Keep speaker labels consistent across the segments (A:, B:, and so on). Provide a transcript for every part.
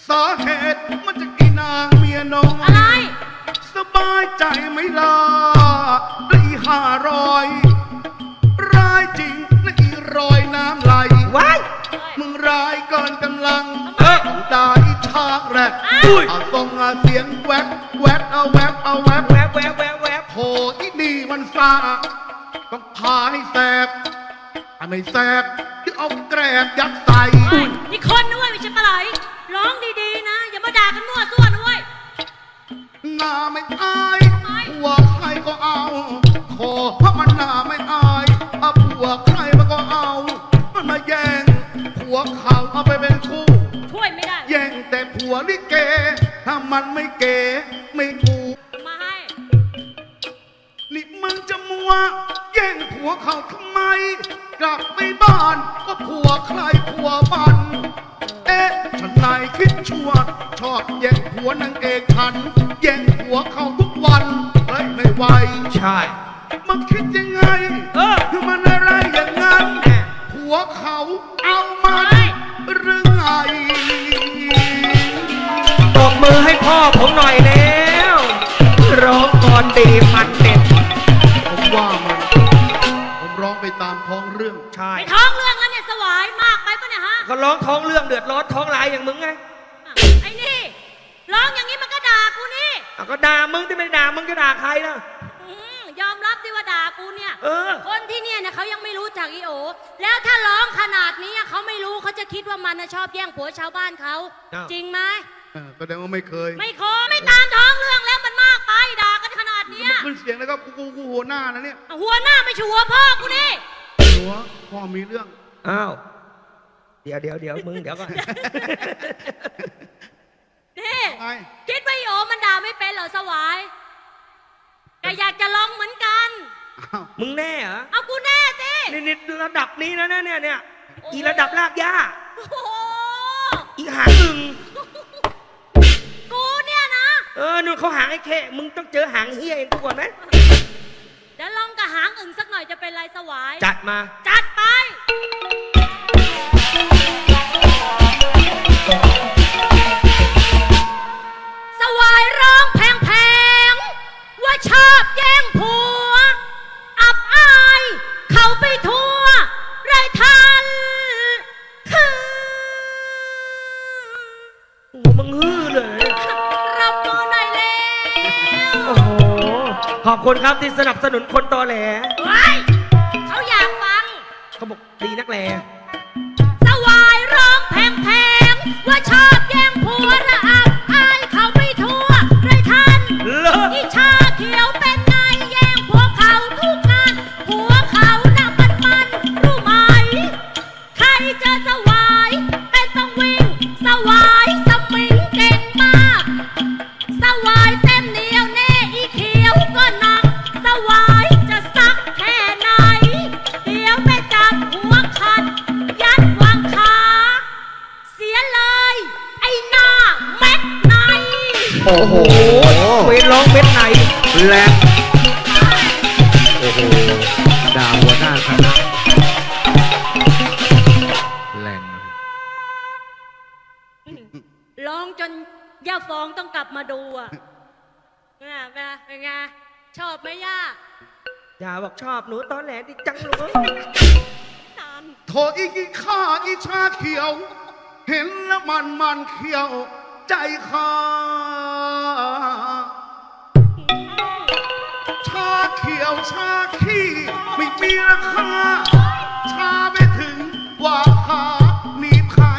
A: สาเหตุมันจะกินนางเมียน้อย
B: อะไร
A: สบายใจไหมล่ะได้500ร้ายจริงนะอี100น้ำไหล
C: ว้าย
A: มึงร้ายเกินกำลังได้ชากแรกเอาส่งเสียงแวบแวบเอาแวบเอาแวบ
C: แวบแวบแวบแวบ
A: โหอีนี่มันซาต้องพาให้แสบไม่แสบที่เอาแกรบยัดใส่
B: นี่คนด้วยไม่ใช่ปลาไหลร้องดีๆนะอย่ามาด่ากันมั่วซั่วด้วย
A: หน้าไม่อายผัวใครก็เอาขอเพราะมันหน้าไม่อายผัวใครมันก็เอามันมาแย่งผัวเขาเอาไปเป็นคู่
B: ช่วยไม่ได้
A: แย่งแต่ผัวลิเกถ้ามันไม่เก๋ไม่กู
B: มาให้
A: นี่มึงจะมัวแย่งผัวเขาทำไมกลับไปบ้านก็ผัวใครผัวมันฉันนายคิดชั่วชอบแย่งผัวนางเอกฉันแย่งผัวเขาทุกวันเฮ้ยไม่ไหว
C: ใช่
A: มันคิดยังไงคือมันอะไรอย่างนั้นผัวเขาเอามันหรือไง
C: ตบมือให้พ่อผมหน่อยแล้วร้องก่อนดีมันเด็ด
A: ผมว่าผมร้องไปตามท้องเรื่อง
C: ใช่
B: ไปท้องเรื่องแล้วเนี่ยสวายมากไปปะเนี่ยฮะ
C: เขาร้องท้องเรื่องเดือดร้อนท้องลายอย่างมึงไง
B: ไอ้นี่ร้องอย่างนี้มันก็ด่ากูนี่
C: ก็ด่ามึงที่ไม่ด่ามึงจะด่าใครนะ
B: ยอมรับที่ว่าด่ากูเนี่ยคนที่เนี่ยเขายังไม่รู้จักอีโอแล้วถ้าร้องขนาดนี้เขาไม่รู้เขาจะคิดว่ามันชอบแย่งผัวชาวบ้านเขาจริงไหม
A: แสดงว่าไม่เคย
B: ไม่ตามท้องเรื่องแล้วมันมากไปด่ากันขนาดนี้
A: ขึ้นเสียงแล้วก็กูหัวหน้านะเนี่ย
B: หัวหน้าไม่ใช่หัวพ่อกูนี่
A: หัวพ่อมีเรื่อง
C: อ้าวเดี๋ยวมึงเดี๋ยวก่อน
B: นี่คิดว่าอีโอมันด่าไม่เป็นเหรอสวายแต่อยากจะลองเหมือนกัน
C: มึงแน่เหรอ
B: เอากูแน่สิ
C: นี่ระดับนี้นะเนี่ยอีระดับลากย่าอีหางอึ่ง
B: กูเนี่ยนะ
C: นู่นเขาหางไอ้แค่มึงต้องเจอหางเฮียเองกูก่อนไหม
B: เดี๋ยวลองกับหางอึ่งสักหน่อยจะเป็นไรสวาย
C: จัดมา
B: จัดไปสวายร้องแพงๆว่าชอบแย่งผัวอับอายเขาไปทั่วไรทัน
C: มึงฮือเลย
B: รับมือหน่อยแล้ว
C: โอ้โหขอบคุณครับที่สนับสนุนคนตอแหล
B: เขาอยากฟัง
C: เขาบอกดีนักแล
B: สวายร้องแพงๆว่าชอบแย่งผัวระอับอายเขาไปทั่วไรทันอีชาเขียวเป็นไงแย่งผัวเขาทุกงานผัวเขาน่ะมันรู้ไหมใครจะสวายเป็นต้องวิ่งสวายสมิงเก่งมากสวายเต็มเหนียวแน่อีเขียวก็หนักสวายจะซักแค่ไหนเดี๋ยวไปจับหัวขัดยัดวางขาเสียเลยไอ้หน้าเม็ดใน
C: โอ้โหเวร้องเม็ดใน
D: แหลกโอ้โหด่าหัวหน้าคณะแหลง
B: ร้องจนย่าฟองต้องกลับมาดูอ่ะเป็นไงชอบไหมย่า
C: อย่าบอกชอบหนูตอนแหลดิจังเลย
A: โถอีกข้าอีชาเขียวเห็นแล้วมันเขียวใจข้าชาเขียวชาขี้ไม่มีราคาชาไม่ถึงว่าขามีใคร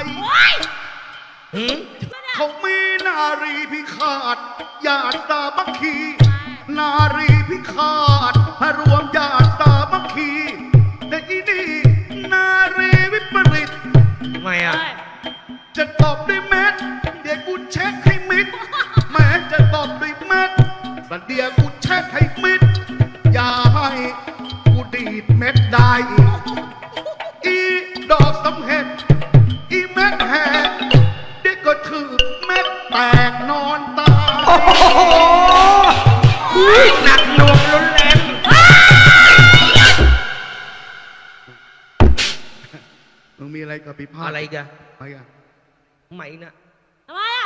A: เขามีนารีพิฆาตญาติตาบัคคีนารีพิฆาตรวมญาติตาบัคคีแต่อีนี่นารีวิปริต
C: ทำไมอ่ะ
A: จะตอบด้วยเม็ดเดี๋ยวกูเช็คให้มิดแม้จะตอบด้วยเม็ดแต่เดี๋ยวกูเช็คให้มิดอย่าให้กูดีดเม็ดได้อีดอกสำเห็ดอีเม็ดแหกเด็กก็ถือเม็ดแตกนอนตาย
C: หนักหน่วงรุนแรง
A: มึงมีอะไรกับพิพาท
C: อะไรกัน
A: อะไรกัน
C: ไหมนะ
B: ทำไมอ่ะ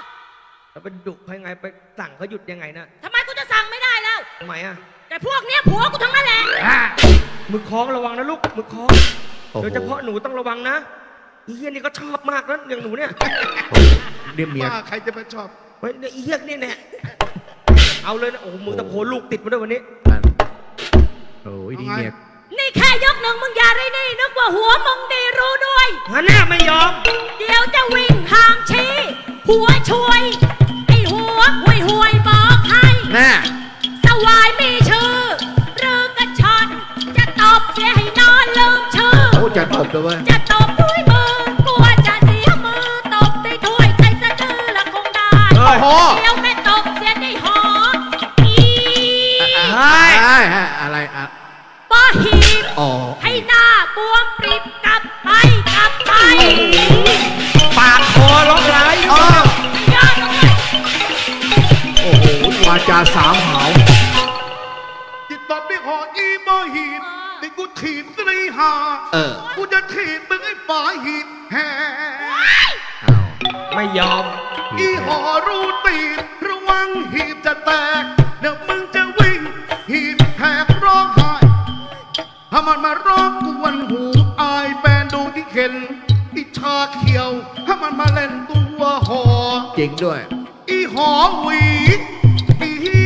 C: แล้วไปดุเขายังไงไปสั่งเขาหยุดยังไงนะ
B: ทำไมกูจะสั่งไม่ได้แล้ว
C: ทำไมอ่ะ
B: แต่พวกเนี้ยผัวกูทั้งนั้นแหละ
C: มือคล้องระวังนะลูกมือคล้อง
D: โอ้โห
C: โดยเฉพาะหนูต้องระวังนะอีเหี้ยนี่ก็ชอบมากนะอย่างหนูเนี่ย
D: เรียกเมีย
A: ว่าใครจะไปชอบ
C: เฮ้ยอีเหี้ยนี่แน่เอาเลยนะโอ้โหมือตะโพนลูกติดมาด้วยวันนี้
D: นั่นโอ้ยนี่เมีย
B: นี่แค่ยกหนึ่งมึงอย่าได้นี่นึกว่าหัวมึงดีรู้ด้วย
C: งั้นแน่ไม่ยอม
B: เดี๋ยวจะวิ่งทางชี้หัวช่วยไอ้หัวห่วยบอกให้
D: แน่
B: สวายมีชื่อหรือกระชอนจะตบเสียให้นอนลืมชื่อ
D: โอ้จะตบเลยเว้ย
B: จะตบด้วยมือกลัวจะเสียมือตบได้ถ้วยใครสะดือละคงได้
C: เฮ้ย
B: เดี๋ยวแม่ตบเสียได้หออี
C: เฮ้ย
D: อะไรอ่ะ
B: ป้อหีบ
D: อ๋อ
B: ให้หน้าบวมปริบกลับไปกลับไป
C: ปากคอร้องไห้
D: อ๋อย
B: อดเลย
D: โอ้โหวาจาสามหาว
A: จิตตอบด้วยหออีโมหีบนี่กูถีบสรีหา
D: เออ
A: กูจะถีบมึงไอ้ฝาหีบแห่
D: อ้าว
C: ไม่ยอม
A: อีหอรูตีบระวังหีบจะแตก เดี๋ยวมึงจะวิ่ง หีบแหกร้องไห้ถ้ามันมาร้องกวนหูอายแฟนดูที่เข็นอีชาเขียวถ้ามันมาเล่นตัวหอ
D: จริงด้วย
A: อีหอหวีอี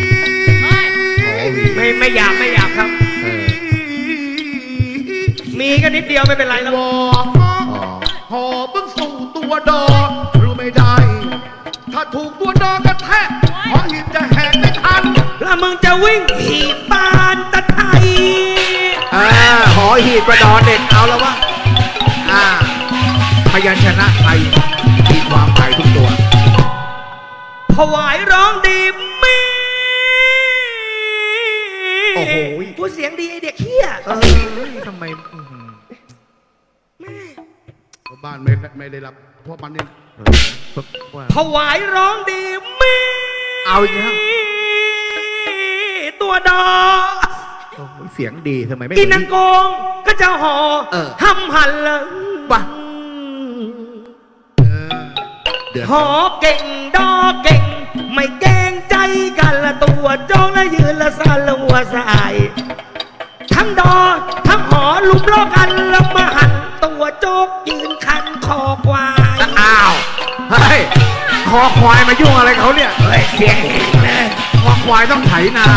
C: ไม่อยากครับ
D: เออ
C: มีก็นิดเดียวไม่เป็นไรแล้ว
A: วอ
D: อ๋อ
A: หอเพิ่งสู่ตัวดอรู้ไม่ได้ ถ้าถูกตัวดอกระแทกหอหีบจะแหกไม่ทัน
C: แล้วมึงจะวิ่งถีบปานตะไทย
D: หอหีบประดอนเด็ดเอาแล้ววะพยัญชนะไทยมีความไทยทุกตัว
C: ถวายร้องดีมี
D: โอ้โห
C: พูดเสียงดีไอเด็กเฮีย
D: ทำไมอื้อหือ
A: บ้านไม่ได้รับเพราะมันนี่
D: ว่า
C: ถวายร้องดีมี
D: เอาอีกแล้ว
C: ตัวดอ
D: โอ้โหเสียงดีทำไมไม่
C: กินนังโกงก็จะห่อ
D: เออ
C: หำหันเลย
D: ว่ะ เดือด
C: หอเก่งดอเก่ง ไม่เกรงใจกันละตัวจองและยืนละสานละหัวสายทั้งดอทั้งหอลุมล้อกันแล้วมาหันตัวโจกยืนคันคอควาย
D: อ้าวเฮ้ยคอควายมายุ่งอะไรเขาเนี่ย
C: เฮ้ยเสียงแหงเลย
D: คอควายต้องไถนา